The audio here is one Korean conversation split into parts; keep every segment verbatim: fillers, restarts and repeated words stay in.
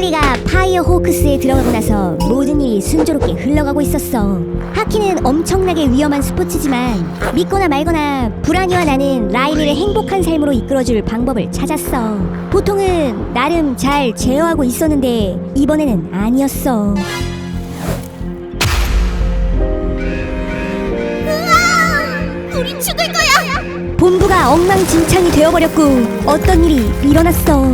라일리가 파이어 호크스에 들어가고 나서 모든 일이 순조롭게 흘러가고 있었어. 하키는 엄청나게 위험한 스포츠지만 믿거나 말거나 브라니와 나는 라일리를 행복한 삶으로 이끌어줄 방법을 찾았어. 보통은 나름 잘 제어하고 있었는데 이번에는 아니었어. 으아! 우린 죽을 거야! 본부가 엉망진창이 되어버렸고 어떤 일이 일어났어.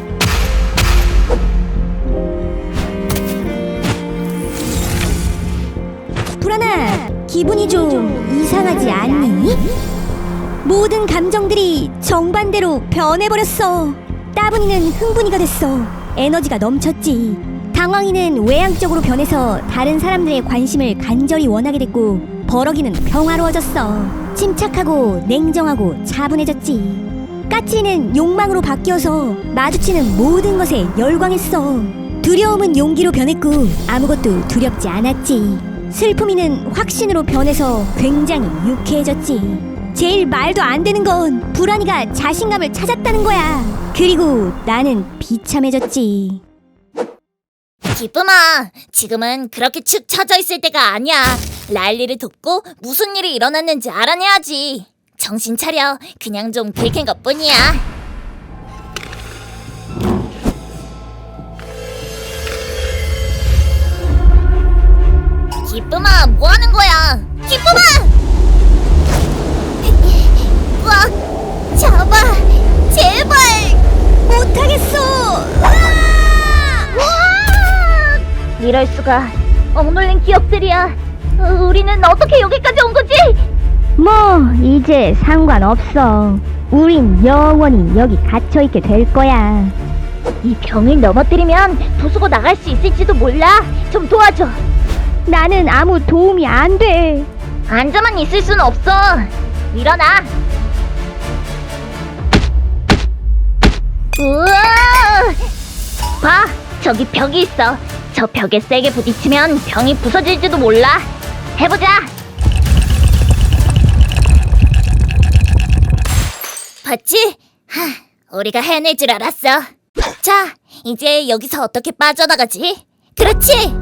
불안아, 기분이 좀 이상하지 않니? 모든 감정들이 정반대로 변해버렸어. 따분이는 흥분이가 됐어. 에너지가 넘쳤지. 당황이는 외향적으로 변해서 다른 사람들의 관심을 간절히 원하게 됐고, 버럭이는 평화로워졌어. 침착하고 냉정하고 차분해졌지. 까칠이는 욕망으로 바뀌어서 마주치는 모든 것에 열광했어. 두려움은 용기로 변했고 아무것도 두렵지 않았지. 슬픔이는 확신으로 변해서 굉장히 유쾌해졌지. 제일 말도 안 되는 건 불안이가 자신감을 찾았다는 거야. 그리고 나는 비참해졌지. 기쁨아, 지금은 그렇게 축 처져 있을 때가 아니야. 라일리를 돕고 무슨 일이 일어났는지 알아내야지. 정신 차려. 그냥 좀 긁힌 것뿐이야. 기쁨아, 뭐 하는 거야? 기쁨아! 와, 잡아, 제발! 못하겠어. 이럴 수가. 억눌린 기억들이야. 어, 우리는 어떻게 여기까지 온 거지? 뭐 이제 상관없어. 우린 영원히 여기 갇혀있게 될 거야. 이 병을 넘어뜨리면 부수고 나갈 수 있을지도 몰라. 좀 도와줘. 나는 아무 도움이 안 돼. 앉아만 있을 순 없어. 일어나. 우와! 봐, 저기 벽이 있어. 저 벽에 세게 부딪히면 병이 부서질지도 몰라. 해보자. 봤지? 하, 우리가 해낼 줄 알았어. 자, 이제 여기서 어떻게 빠져나가지? 그렇지!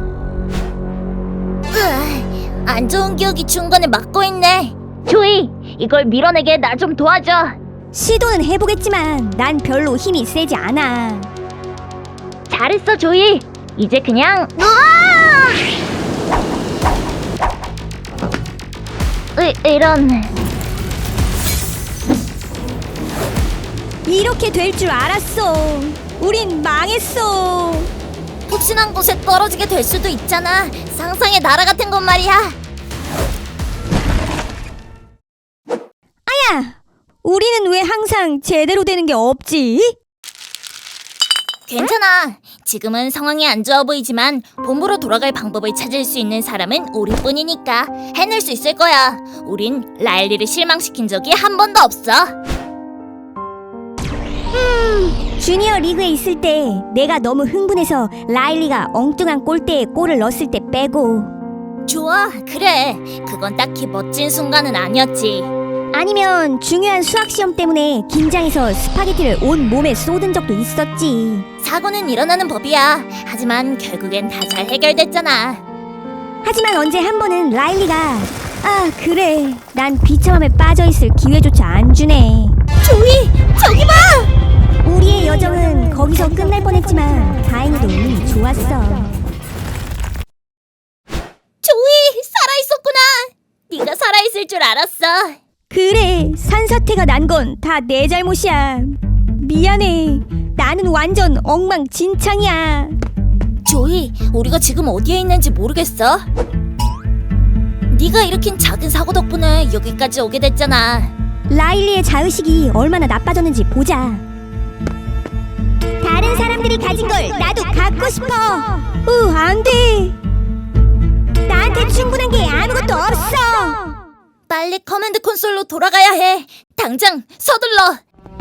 으아, 안 좋은 기억이 중간에 막고 있네. 조이, 이걸 밀어내게 나 좀 도와줘. 시도는 해보겠지만 난 별로 힘이 세지 않아. 잘했어, 조이. 이제 그냥 우와! 으, 이런. 이렇게 될 줄 알았어. 우린 망했어. 푹신한 곳에 떨어지게 될 수도 있잖아. 상상의 나라 같은 건 말이야. 아야! 우리는 왜 항상 제대로 되는 게 없지? 괜찮아. 지금은 상황이 안 좋아 보이지만 본부로 돌아갈 방법을 찾을 수 있는 사람은 우리뿐이니까 해낼 수 있을 거야. 우린 라일리를 실망시킨 적이 한 번도 없어. 음, 주니어 리그에 있을 때 내가 너무 흥분해서 라일리가 엉뚱한 골대에 골을 넣었을 때 빼고, 좋아, 그래. 그건 딱히 멋진 순간은 아니었지. 아니면 중요한 수학시험 때문에 긴장해서 스파게티를 온 몸에 쏟은 적도 있었지. 사고는 일어나는 법이야. 하지만 결국엔 다 잘 해결됐잖아. 하지만 언제 한 번은 라일리가 아 그래 난 비참함에 빠져있을 기회조차 안 주네. 조이, 저기 봐! 우리의 여정은 거기서 끝날 뻔했지만 다행히도 운이 좋았어. 조이, 살아있었구나. 네가 살아있을 줄 알았어. 그래, 산사태가 난 건 다 내 잘못이야. 미안해. 나는 완전 엉망진창이야. 조이, 우리가 지금 어디에 있는지 모르겠어? 네가 일으킨 작은 사고 덕분에 여기까지 오게 됐잖아. 라일리의 자의식이 얼마나 나빠졌는지 보자. 다른 사람들이 가진 걸 나도 갖고 싶어. 으, 안 돼. 나한테 충분한 게 아무것도 없어. 빨리 커맨드 콘솔로 돌아가야 해. 당장 서둘러.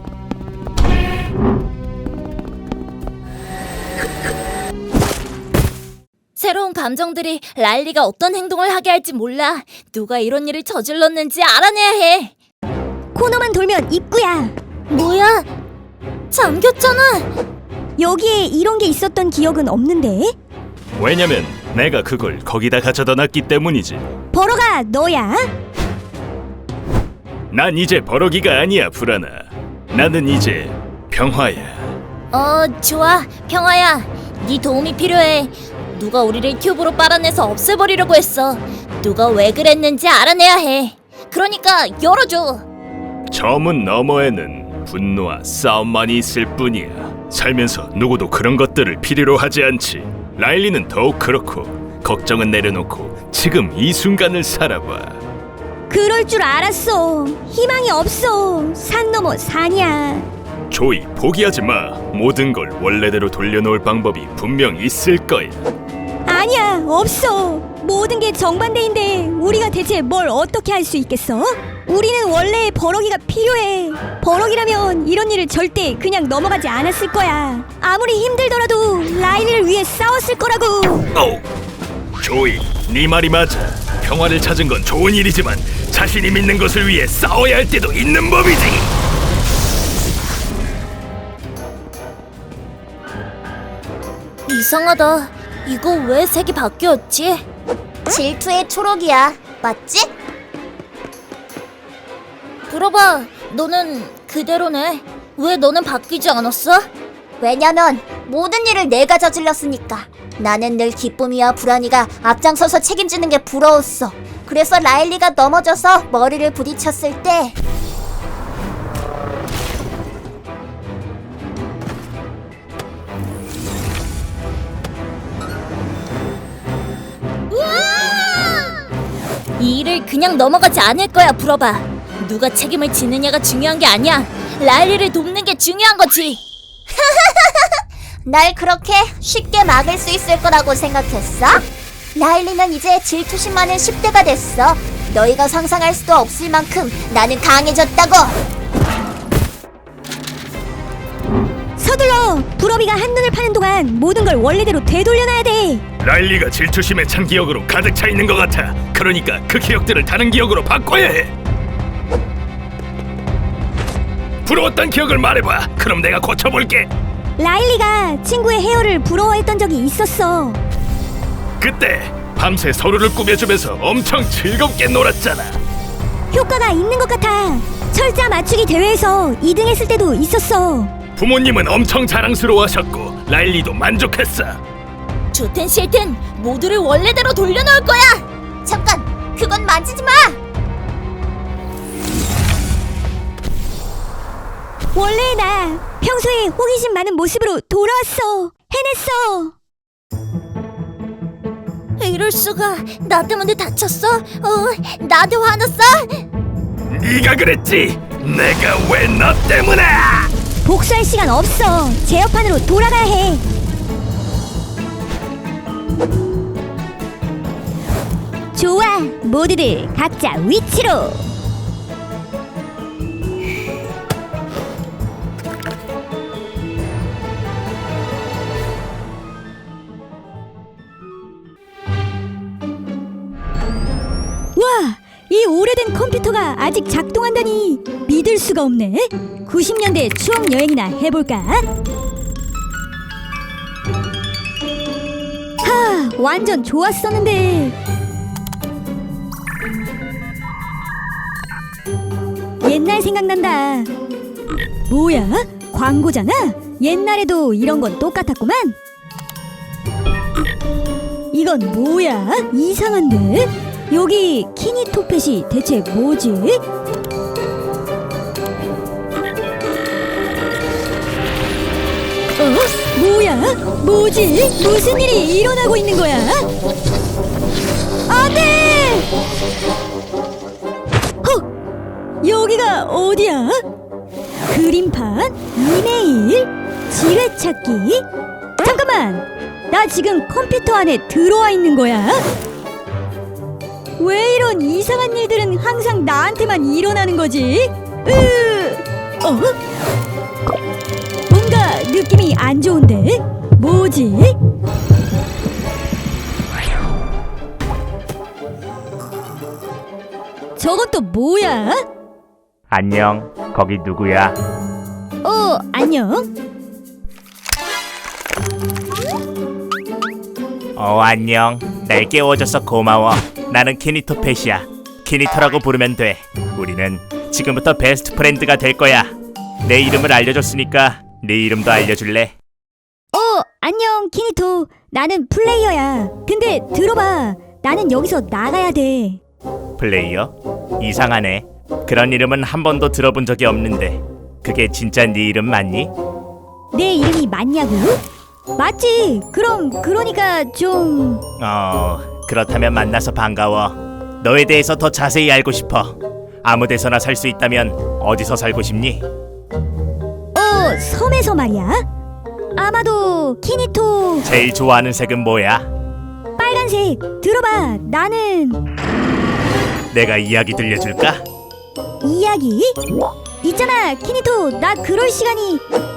새로운 감정들이 라일리가 어떤 행동을 하게 할지 몰라. 누가 이런 일을 저질렀는지 알아내야 해. 코너만 돌면 입구야. 뭐야? 잠겼잖아. 여기에 이런 게 있었던 기억은 없는데? 왜냐면 내가 그걸 거기다 가져다 놨기 때문이지. 버러가 너야? 난 이제 버러기가 아니야, 불안아. 나는 이제 평화야. 어, 좋아. 평화야. 네 도움이 필요해. 누가 우리를 튜브로 빨아내서 없애버리려고 했어. 누가 왜 그랬는지 알아내야 해. 그러니까 열어줘. 저 문 너머에는 분노와 싸움만이 있을 뿐이야. 살면서 누구도 그런 것들을 필요로 하지 않지. 라일리는 더욱 그렇고 걱정은 내려놓고 지금 이 순간을 살아봐. 그럴 줄 알았어. 희망이 없어. 산 넘어 산이야. 조이, 포기하지 마. 모든 걸 원래대로 돌려놓을 방법이 분명 있을 거야. 아니야, 없어. 모든 게 정반대인데 우리가 대체 뭘 어떻게 할 수 있겠어? 우리는 원래 버럭이가 필요해. 버럭이라면 이런 일을 절대 그냥 넘어가지 않았을 거야. 아무리 힘들더라도 라일리를 위해 싸웠을 거라고. 오! 조이, 네 말이 맞아. 평화를 찾은 건 좋은 일이지만 자신이 믿는 것을 위해 싸워야 할 때도 있는 법이지. 이상하다. 이거 왜 색이 바뀌었지? 질투의 초록이야. 맞지? 들어봐. 너는 그대로네. 왜 너는 바뀌지 않았어? 왜냐면 모든 일을 내가 저질렀으니까. 나는 늘 기쁨이와 불안이가 앞장서서 책임지는 게 부러웠어. 그래서 라일리가 넘어져서 머리를 부딪혔을 때 이 일을 그냥 넘어가지 않을 거야, 불어봐. 누가 책임을 지느냐가 중요한 게 아니야. 라일리를 돕는 게 중요한 거지. 날 그렇게 쉽게 막을 수 있을 거라고 생각했어? 라일리는 이제 질투심 많은 십 대가 됐어. 너희가 상상할 수도 없을 만큼 나는 강해졌다고. 서둘러. 불어비가 한눈을 파는 동안 모든 걸 원래대로 되돌려놔야 돼. 라일리가 질투심에 찬 기억으로 가득 차 있는 것 같아. 그러니까 그 기억들을 다른 기억으로 바꿔야 해. 부러웠던 기억을 말해봐. 그럼 내가 고쳐볼게. 라일리가 친구의 헤어를 부러워했던 적이 있었어. 그때 밤새 서로를 꾸며주면서 엄청 즐겁게 놀았잖아. 효과가 있는 것 같아. 철자 맞추기 대회에서 이 등 했을 때도 있었어. 부모님은 엄청 자랑스러워하셨고 라일리도 만족했어. 좋든 싫든 모두를 원래대로 돌려놓을 거야. 잠깐, 그건 만지지 마. 원래의 나 평소에 호기심 많은 모습으로 돌아왔어. 해냈어. 이럴 수가. 나 때문에 다쳤어? 어, 나한테 화났어? 네가 그랬지. 내가 왜 너 때문에? 복수할 시간 없어. 제어판으로 돌아가야 해. 좋아, 모두들 각자 위치로. 와, 이 오래된 컴퓨터가 아직 작동한다니 믿을 수가 없네. 구십 년대 추억 여행이나 해볼까? 하, 완전 좋았었는데. 옛날 생각난다. 뭐야? 광고잖아? 옛날에도 이런 건 똑같았구만. 이건 뭐야? 이상한데? 여기 키니토펫이 대체 뭐지? 어? 뭐야? 뭐지? 무슨 일이 일어나고 있는 거야? 안 돼! 헉! 여기가 어디야? 그림판? 이메일? 지뢰찾기? 잠깐만! 나 지금 컴퓨터 안에 들어와 있는 거야? 왜 이런 이상한 일들은 항상 나한테만 일어나는 거지? 으... 어? 뭔가 느낌이 안 좋은데? 뭐지? 저건 또 뭐야? 안녕, 거기 누구야? 어, 안녕? 어, 안녕. 날 깨워줘서 고마워. 나는 키니토 펫이야. 키니토라고 부르면 돼. 우리는 지금부터 베스트 프렌드가 될 거야. 내 이름을 알려줬으니까 네 이름도 알려줄래? 어, 안녕, 키니토. 나는 플레이어야. 근데 들어봐. 나는 여기서 나가야 돼. 플레이어? 이상하네. 그런 이름은 한 번도 들어본 적이 없는데 그게 진짜 네 이름 맞니? 내 이름이 맞냐고? 맞지. 그럼 그러니까 좀... 어... 그렇다면 만나서 반가워. 너에 대해서 더 자세히 알고 싶어. 아무 데서나 살 수 있다면 어디서 살고 싶니? 어, 섬에서 말이야. 아마도 키니토 제일 좋아하는 색은 뭐야? 빨간색. 들어봐. 나는... 내가 이야기 들려줄까? 이야기? 있잖아, 키니토. 나 그럴 시간이...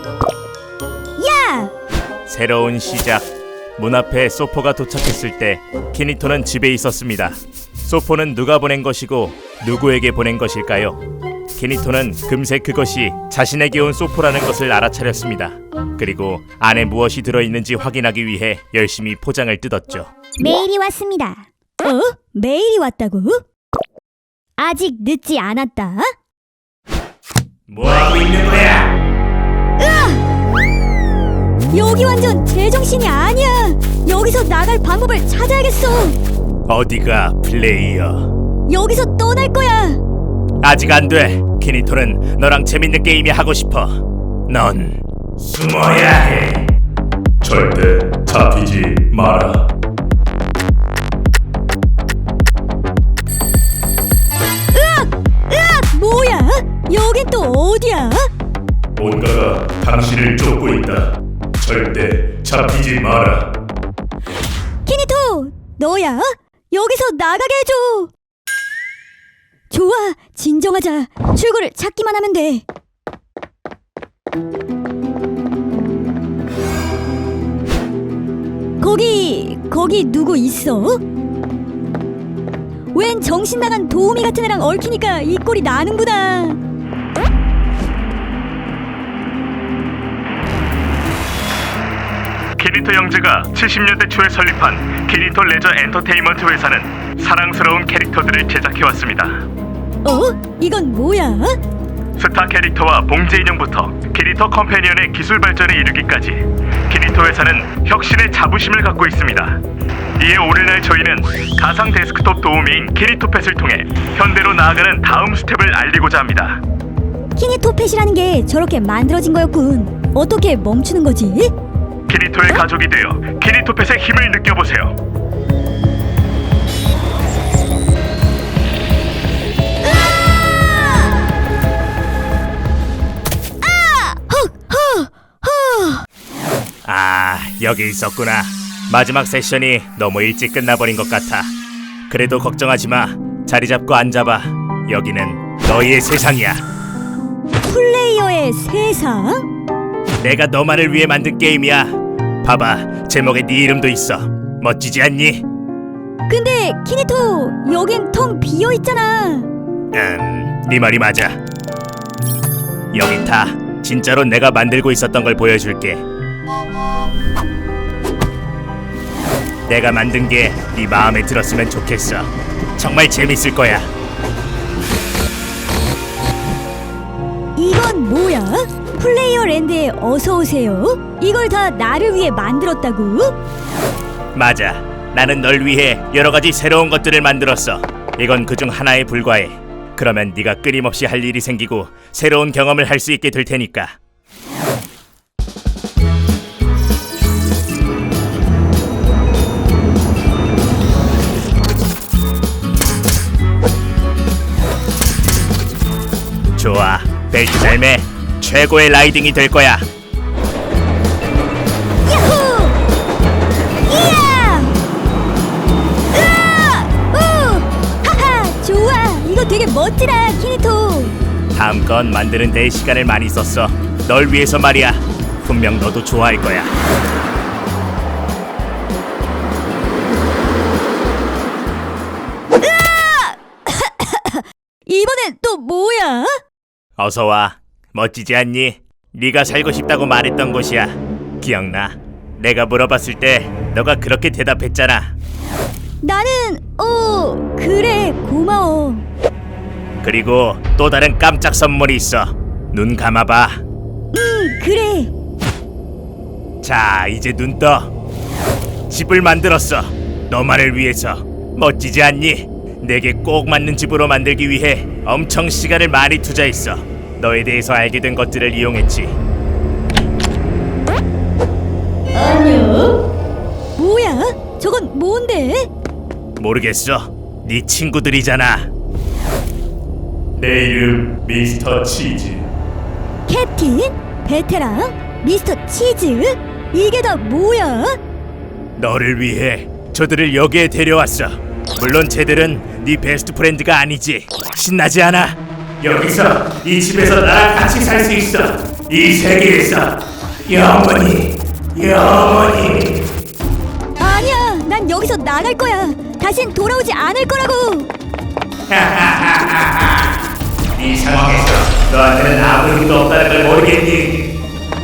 야! 새로운 시작. 문 앞에 소포가 도착했을 때 키니토는 집에 있었습니다. 소포는 누가 보낸 것이고 누구에게 보낸 것일까요? 키니토는 금세 그것이 자신에게 온 소포라는 것을 알아차렸습니다. 그리고 안에 무엇이 들어있는지 확인하기 위해 열심히 포장을 뜯었죠. 메일이 왔습니다. 어? 메일이 왔다고? 아직 늦지 않았다. 뭐하고 있는 거야? 여기 완전 제정신이 아니야. 여기서 나갈 방법을 찾아야겠어. 어디가 플레이어? 여기서 떠날 거야. 아직 안 돼. 키니토는 너랑 재밌는 게임이 하고 싶어. 넌 숨어야 해. 절대 잡히지 마라. 으악! 뭐야? 여긴 또 어디야? 뭔가가 당신을 쫓고 있다. 절대 잡히지 마라. 키니토, 너야? 여기서 나가게 해줘. 좋아, 진정하자. 출구를 찾기만 하면 돼. 거기, 거기 누구 있어? 웬 정신 나간 도우미 같은 애랑 얽히니까 이 꼴이 나는구나. 키니토 형제가 칠십 년대 초에 설립한 키니토 레저 엔터테인먼트 회사는 사랑스러운 캐릭터들을 제작해왔습니다. 어? 이건 뭐야? 스타 캐릭터와 봉제 인형부터 키니토 컴패니언의 기술 발전에 이르기까지 키니토 회사는 혁신의 자부심을 갖고 있습니다. 이에 오늘날 저희는 가상 데스크톱 도우미인 키니토 펫을 통해 현대로 나아가는 다음 스텝을 알리고자 합니다. 키니토펫이라는 게 저렇게 만들어진 거였군. 어떻게 멈추는 거지? 키니토의 가족이 되어 키니토 펫의 힘을 느껴보세요. 아, 여기 있었구나. 마지막 세션이 너무 일찍 끝나버린 것 같아. 그래도 걱정하지 마. 자리 잡고 앉아봐. 여기는 너희의 세상이야. 플레이어의 세상? 내가 너만을 위해 만든 게임이야. 봐봐, 제목에 네 이름도 있어. 멋지지 않니? 근데 키니토, 여긴 텅 비어있잖아. 음, 네 말이 맞아. 여기 타. 진짜로 내가 만들고 있었던 걸 보여줄게. 내가 만든 게 네 마음에 들었으면 좋겠어. 정말 재밌을 거야. 이건 뭐야? 플레이어 랜드에 어서 오세요? 이걸 다 나를 위해 만들었다고? 맞아. 나는 널 위해 여러 가지 새로운 것들을 만들었어. 이건 그중 하나에 불과해. 그러면 네가 끊임없이 할 일이 생기고 새로운 경험을 할 수 있게 될 테니까. 좋아. 벨트 잘 매. 최고의 라이딩이 될 거야. 야호! 이야! 으아! 우! 하하! 좋아! 이거 되게 멋지다, 키니토! 다음 건 만드는 데 시간을 많이 썼어. 널 위해서 말이야. 분명 너도 좋아할 거야. 이번엔 또 뭐야? 어서 와. 멋지지 않니? 네가 살고 싶다고 말했던 곳이야. 기억나? 내가 물어봤을 때 너가 그렇게 대답했잖아. 나는 어 그래 고마워. 그리고 또 다른 깜짝 선물이 있어. 눈 감아봐. 응 그래. 자, 이제 눈 떠. 집을 만들었어. 너만을 위해서. 멋지지 않니? 내게 꼭 맞는 집으로 만들기 위해 엄청 시간을 많이 투자했어. 너에 대해서 알게 된 것들을 이용했지. 뭐야? 저건 뭔데? 모르겠어. 네 친구들이잖아. 내 이름 미스터 치즈. 캡틴? 베테랑? 미스터 치즈? 이게 다 뭐야? 너를 위해 저들을 여기에 데려왔어. 물론 쟤들은 네 베스트 프렌드가 아니지. 신나지 않아? 여기서 이 집에서 나랑 같이 살 수 있어. 이 세계에서 영원히 영원히. 아니야, 난 여기서 나갈 거야. 다신 돌아오지 않을 거라고. 이 상황에서 너한테는 아무 힘도 없다는 걸 모르겠니?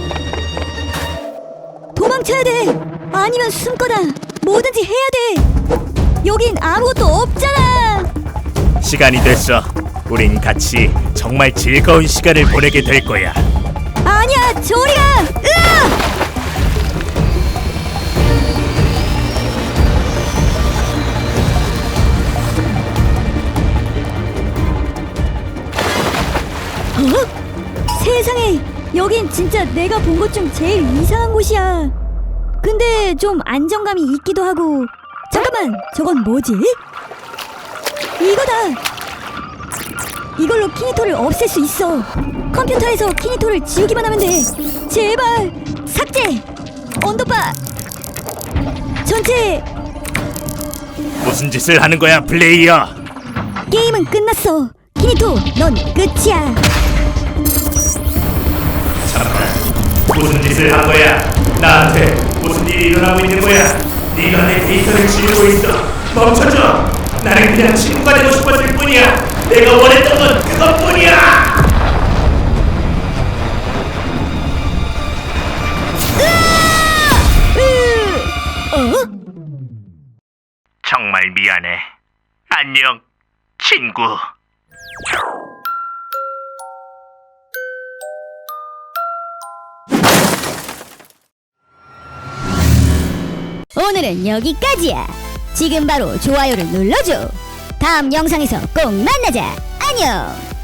도망쳐야 돼. 아니면 숨거나 뭐든지 해야 돼. 여긴 아무것도 없잖아. 시간이 됐어. 우린 같이 정말 즐거운 시간을 보내게 될 거야. 아니야, 저리 가. 으아! 어? 세상에, 여긴 진짜 내가 본 것 중 제일 이상한 곳이야. 근데 좀 안정감이 있기도 하고. 잠깐만, 저건 뭐지? 이거다. 이걸로 키니토를 없앨 수 있어. 컴퓨터에서 키니토를 지우기만 하면 돼. 제발 삭제. 언더바 전체. 무슨 짓을 하는 거야, 플레이어? 게임은 끝났어. 키니토, 넌 끝이야. 잠깐, 무슨 짓을 한 거야? 나한테 무슨 일이 일어나고 있는 거야? 네가 내 데이터를 지우고 있어. 멈춰줘. 나는 그냥 친구가 되고 싶었을 뿐이야. 내가 원했던 건 그것뿐이야. 어? 정말 미안해. 안녕, 친구. 오늘은 여기까지야. 지금 바로 좋아요를 눌러줘. 다음 영상에서 꼭 만나자. 안녕.